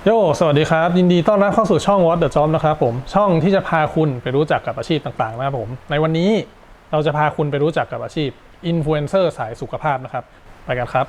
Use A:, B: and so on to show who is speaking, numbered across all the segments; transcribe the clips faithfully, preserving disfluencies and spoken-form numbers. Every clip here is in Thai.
A: โยสวัสดีครับยินดีต้อนรับเข้าสู่ช่อง What the Job นะครับผมช่องที่จะพาคุณไปรู้จักกับอาชีพต่างๆนะครับผมในวันนี้เราจะพาคุณไปรู้จักกับอาชีพอินฟลูเอนเซอร์สายสุขภาพนะครับไปกันครับ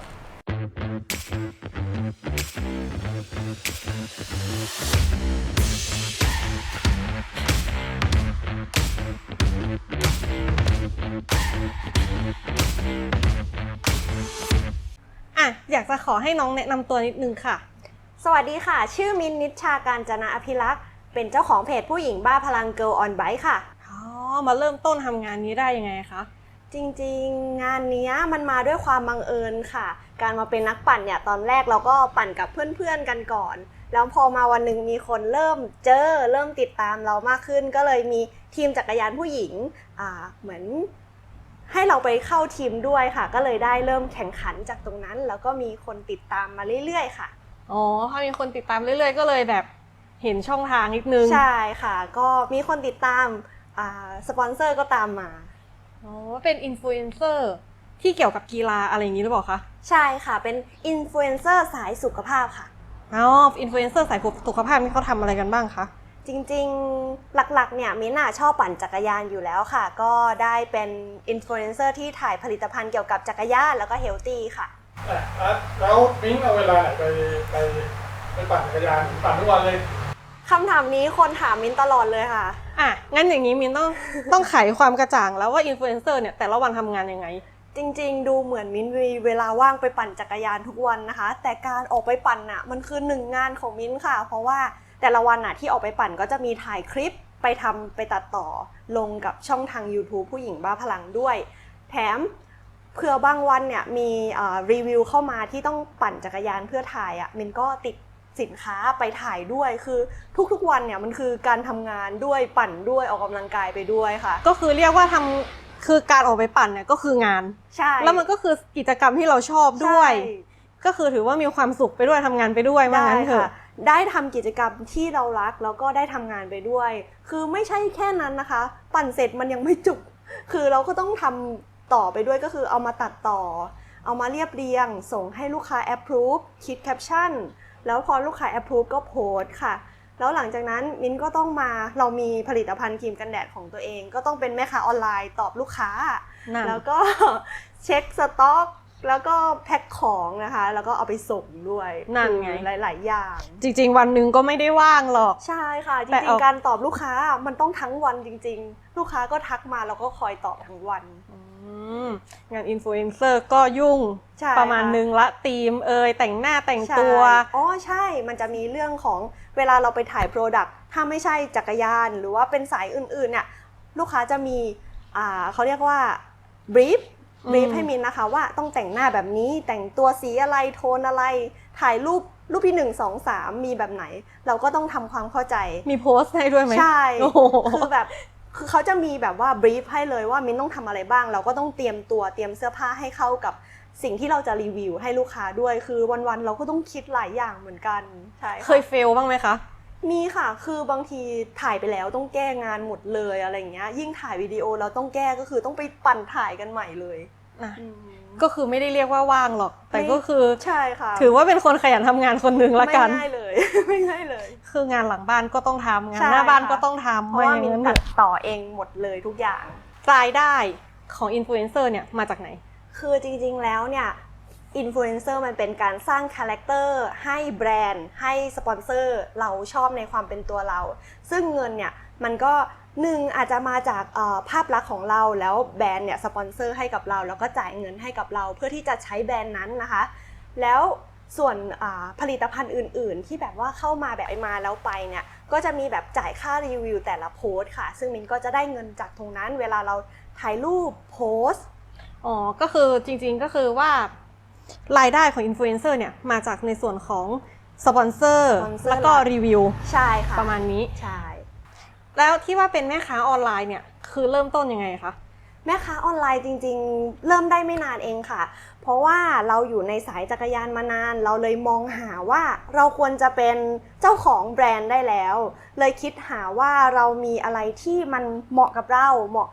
B: อ่ะอยากจะขอให้น้องแนะนำตัวนิดนึงค่ะ
C: สวัสดีค่ะชื่อมินนิชชาการจนะอภิรักษ์เป็นเจ้าของเพจผู้หญิงบ้าพลัง Girl on Bike ค่ะ
B: อ๋อมาเริ่มต้นทำงานนี้ได้ยังไงคะ
C: จริงๆงานนี้มันมาด้วยความบังเอิญค่ะการมาเป็นนักปั่นเนี่ยตอนแรกเราก็ปั่นกับเพื่อนๆกันก่อนแล้วพอมาวันหนึ่งมีคนเริ่มเจอเริ่มติดตามเรามากขึ้นก็เลยมีทีมจักรยานผู้หญิงอ่าเหมือนให้เราไปเข้าทีมด้วยค่ะก็เลยได้เริ่มแข่งขันจากตรงนั้นแล้วก็มีคนติดตามมาเรื่อยๆค่ะ
B: อ๋อพอมีคนติดตามเรื่อยๆก็เลยแบบเห็นช่องทางนิดนึง
C: ใช่ค่ะก็มีคนติดตามอ่าสปอนเซอร์ก็ตามมา
B: อ๋อเป็นอินฟลูเอนเซอร์ที่เกี่ยวกับกีฬาอะไรอย่างนี้หรือเปล่าคะ
C: ใช่ค่ะเป็นอินฟลูเอนเซอร์สายสุขภาพค่ะ
B: อ๋ออินฟลูเอนเซอร์สายสุขภาพนี่เขาทำอะไรกันบ้างคะ
C: จริงๆหลักๆเนี่ยมิ้นท์ชอบปั่นจักรยานอยู่แล้วค่ะก็ได้เป็นอินฟลูเอนเซอร์ที่ถ่ายผลิตภัณฑ์เกี่ยวกับจักรยานแล้วก็เฮลตี้ค่ะ
A: แล้วมิ้งเอาเวลาไหนไปไปไปปั่นจักรยานปั่นทุกวันเลย
C: คำถามนี้คนถามมิ้นตลอดเลยค่ะ
B: อ่ะงั้นอย่างนี้มิ้นต้องต้องไขความกระจ่างแล้วว่าอินฟลูเอนเซอร์เนี่ยแต่ละวันทำงานยังไง
C: จริงๆดูเหมือนมิ้นมีเวลาว่างไปปั่นจักรยานทุกวันนะคะแต่การออกไปปั่นน่ะมันคือหนึ่งงานของมิ้นค่ะเพราะว่าแต่ละวันน่ะที่ออกไปปั่นก็จะมีถ่ายคลิปไปทำไปตัดต่อลงกับช่องทาง YouTube ผู้หญิงบ้าพลังด้วยแถมเผื่อบางวันเนี่ยมีรีวิวเข้ามาที่ต้องปั่นจักรยานเพื่อถ่ายอ่ะมินก็ติดสินค้าไปถ่ายด้วยคือทุกๆวันเนี่ยมันคือการทำงานด้วยปั่นด้วยออกกำลังกายไปด้วยค่ะ
B: ก็คือเรียกว่าทำคือการออกไปปั่นเนี่ยก็คืองาน
C: ใช่
B: แล้วมันก็คือกิจกรรมที่เราชอบด้วยก็คือถือว่ามีความสุขไปด้วยทำงานไปด้วยว่างั้นเถอะ
C: ได้ทำกิจกรรมที่เรารักแล้วก็ได้ทำงานไปด้วยคือไม่ใช่แค่นั้นนะคะปั่นเสร็จมันยังไม่จบคือเราก็ต้องทำต่อไปด้วยก็คือเอามาตัดต่อเอามาเรียบเรียงส่งให้ลูกค้า approve คิดแคปชั่นแล้วพอลูกค้า approve ก็โพสต์ค่ะแล้วหลังจากนั้นมิ้นก็ต้องมาเรามีผลิตภัณฑ์ครีมกันแดดของตัวเองก็ต้องเป็นแม่ค้าออนไลน์ตอบลูกค้าแล้วก็เช็คสต็อกแล้วก็แพ็คของนะคะแล้วก็เอาไปส่งด้วย
B: นั่นไง
C: หลายๆอย่าง
B: จริงๆวันหนึ่งก็ไม่ได้ว่างหรอก
C: ใช่ค่ะจริงๆการตอบลูกค้ามันต้องทั้งวันจริงๆลูกค้าก็ทักมาแล้วก็คอยตอบทั้งวัน
B: งานอินฟลูเอนเซอร์ก็ยุ่งประมาณนึงละธีมเอยแต่งหน้าแต่งตัว
C: อ๋อใช่มันจะมีเรื่องของเวลาเราไปถ่ายโปรดักต์ถ้าไม่ใช่จักรยานหรือว่าเป็นสายอื่นๆเนี่ยลูกค้าจะมีอ่าเขาเรียกว่าบรีฟบรีฟให้มินนะคะว่าต้องแต่งหน้าแบบนี้แต่งตัวสีอะไรโทนอะไรถ่ายรูปรูปที่หนึ่ง สอง สามมีแบบไหนเราก็ต้องทำความเข้าใจ
B: มีโพสต์ให้ด้วยไหม
C: ใช่คือแบบคือเขาจะมีแบบว่าบรีฟให้เลยว่ามินต้องทำอะไรบ้างเราก็ต้องเตรียมตัวเตรียมเสื้อผ้าให้เข้ากับสิ่งที่เราจะรีวิวให้ลูกค้าด้วยคือวันๆเราก็ต้องคิดหลายอย่างเหมือนกันใช่
B: เคยเฟลบ้างไหมคะ
C: มีค่ะคือบางทีถ่ายไปแล้วต้องแก้งานหมดเลยอะไรเงี้ยยิ่งถ่ายวิดีโอเราต้องแก้ก็คือต้องไปปั่นถ่ายกันใหม่เลย
B: ก็คือไม่ได้เรียกว่าว่างหรอกแต่ก็คือ
C: ใช่ค่ะ
B: ถือว่าเป็นคนขยันทำงานคนหนึ่งละกัน
C: ไม่ง่ายเลยไม่ง่ายเลย
B: คืองานหลังบ้านก็ต้องทำงานหน้าบ้านก็ต้องทำ
C: เพราะว่ามินตัดต่อเองหมดเลยทุกอย่าง
B: รายได้ของอินฟลูเอนเซอร์เนี่ยมาจากไหน
C: คือจริงๆแล้วเนี่ยอินฟลูเอนเซอร์มันเป็นการสร้างคาแรคเตอร์ให้แบรนด์ให้สปอนเซอร์เราชอบในความเป็นตัวเราซึ่งเงินเนี่ยมันก็หนึ่งอาจจะมาจากภาพลักษณ์ของเราแล้วแบรนด์เนี่ยสปอนเซอร์ให้กับเราแล้วก็จ่ายเงินให้กับเราเพื่อที่จะใช้แบรนด์นั้นนะคะแล้วส่วนผลิตภัณฑ์อื่นๆที่แบบว่าเข้ามาแบบมาแล้วไปเนี่ยก็จะมีแบบจ่ายค่ารีวิวแต่ละโพสต์ค่ะซึ่งมินก็จะได้เงินจากตรงนั้นเวลาเราถ่ายรูปโพสต์
B: อ๋อก็คือจริงๆก็คือว่ารายได้ของอินฟลูเอนเซอร์เนี่ยมาจากในส่วนของสปอนเซอร์แล้วก็รีวิว
C: ใช่ค่ะ
B: ประมาณนี้
C: ใช่
B: แล้วที่ว่าเป็นแม่ค้าออนไลน์เนี่ยคือเริ่มต้นยังไงคะ
C: แม่ค้าออนไลน์จริงๆเริ่มได้ไม่นานเองค่ะเพราะว่าเราอยู่ในสายจักรยานมานานเราเลยมองหาว่าเราควรจะเป็นเจ้าของแบรนด์ได้แล้วเลยคิดหาว่าเรามีอะไรที่มันเหมาะกับเราเหมาะกับ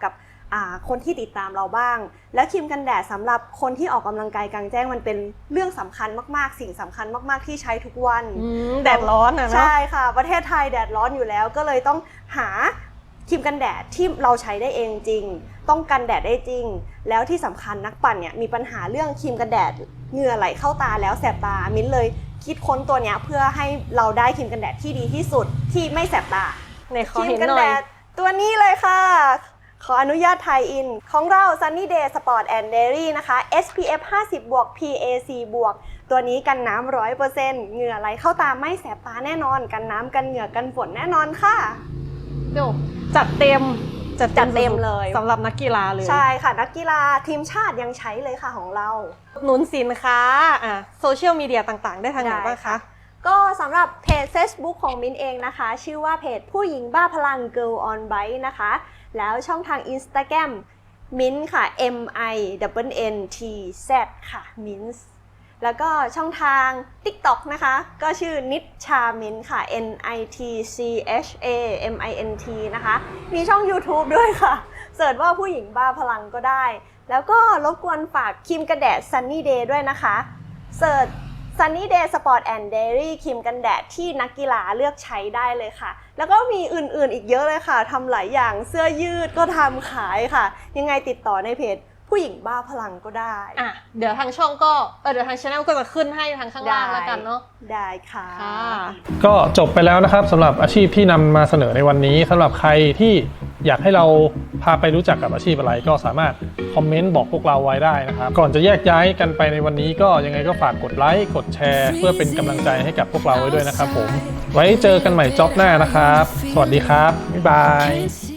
C: อ่าคนที่ติดตามเราบ้าง แล้วครีมกันแดดสำหรับคนที่ออกกำลังกายกลางแจ้งมันเป็นเรื่องสำคัญมากๆสิ่งสำคัญมากๆที่ใช้ทุกวัน
B: อืมแดดร้อนอ่ะเนาะ
C: ใช่ค่ะประเทศไทยแดดร้อนอยู่แล้วก็เลยต้องหาครีมกันแดดที่เราใช้ได้เองจริงต้องกันแดดได้จริงแล้วที่สำคัญนักปั่นเนี่ยมีปัญหาเรื่องครีมกันแดดเหงื่อไหลเข้าตาแล้วแสบตามิ้นเลยคิดค้นตัวเนี้ยเพื่อให้เราได้ครีมกันแดดที่ดีที่สุดที่ไม่แสบตา
B: ในข
C: ค
B: อ
C: รีม
B: เห็น
C: กัน
B: หน่อ
C: แด
B: ย
C: ดตัวนี้เลยค่ะ ขออนุญาตไทยอินของเรา Sunny Day Sport and Dairy นะคะ เอส พี เอฟ ห้าสิบ บวก พี เอ ซี บวก ตัวนี้กันน้ำ หนึ่งร้อยเปอร์เซ็นต์ เหงื่อไหลเข้าตาไม่แสบตาแน่นอน กันน้ำกันเหงื่อกันฝนแน่นอนค่ะ
B: เดี๋ยวจัดเต็ม จัด
C: จัดเต็มเลย
B: สำหรับนักกีฬาเลย
C: ใช่ค่ะ นักกีฬาทีมชาติยังใช้เลยค่ะของเรา
B: หนุนสินค้าอ่ะโซเชียลมีเดียต่างๆ ได้ทางไหนบ้างคะ
C: ก็สำหรับเพจ Facebook ของมิ้นเองนะคะ ชื่อว่าเพจผู้หญิงบ้าพลัง Girl on Bike นะคะ แล้วช่องทาง Instagram มิ้นค่ะ M I N N T Z ค่ะมิ้นแล้วก็ช่องทาง TikTok นะคะ ก็ชื่อนิชชามิ้นค่ะ N I T C H A M I N T นะคะ มีช่อง YouTube ด้วยค่ะ เสิร์ชว่าผู้หญิงบ้าพลังก็ได้ แล้วก็รบกวนฝากครีมกันแดด Sunny Day ด้วยนะคะเสิร์ชSunny Day Sport and Dairy ครีมกันแดดที่นักกีฬาเลือกใช้ได้เลยค่ะ แล้วก็มีอื่นๆอีกเยอะเลยค่ะทำหลายอย่างเสื้อยืดก็ทำขายค่ะ ยังไงติดต่อในเพจผู้หญิงบ้าพลังก็ได้
B: อ่ะเดี๋ยวทางช่องก็เออเดี๋ยวทางช anel ก็จะขึ้นให้ทางข้างล่างแล้วกันเนาะ
C: ได้ค่ะ
B: ค่ะ
A: ก็จบไปแล้วนะครับสำหรับอาชีพที่นำมาเสนอในวันนี้สำหรับใครที่อยากให้เราพาไปรู้จักกับอาชีพอะไรก็สามารถคอมเมนต์บอกพวกเราไว้ได้นะครับก่อนจะแยกย้ายกันไปในวันนี้ก็ยังไงก็ฝากกดไลค์กดแชร์เพื่อเป็นกำลังใจให้กับพวกเราไว้ด้วยนะครับผมไว้เจอกันใหม่จ็อบหน้านะครับสวัสดีครับบ๊ายบาย